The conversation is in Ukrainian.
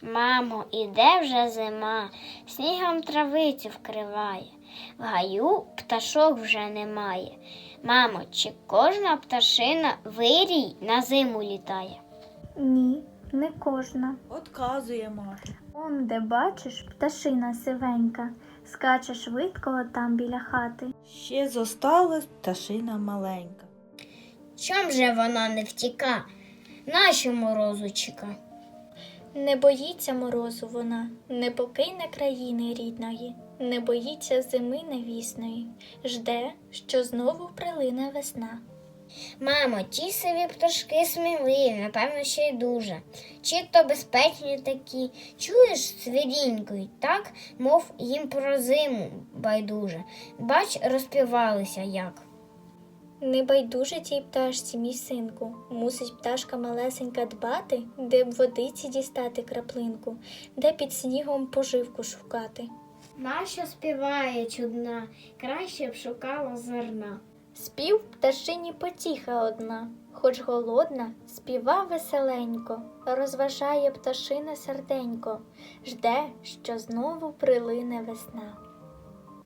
Мамо, іде вже зима, снігом травицю вкриває, в гаю пташок вже немає. Мамо, чи кожна пташина вирій на зиму літає? Ні, не кожна. Отказує Маша. Он, де бачиш, пташина сивенька, скаче швидко отам біля хати. Ще зосталась пташина маленька. Чом же вона не втіка? Нащо морозу чека? Не боїться морозу вона, не покине країни рідної, не боїться зими невісної, жде, що знову прилине весна. Мамо, ті сиві пташки сміливі, напевно, ще й дуже. Чи то безпечні такі, чуєш, свирінькою, так, мов їм про зиму байдуже. Бач, розпівалися як. Не байдуже тій пташці, мій синку, мусить пташка малесенька дбати, де б водиці дістати краплинку, де під снігом поживку шукати. Нащо співає чудна, краще б шукала зерна. Спів пташині потіха одна, хоч голодна, співа веселенько, розважає пташине серденько, жде, що знову прилине весна.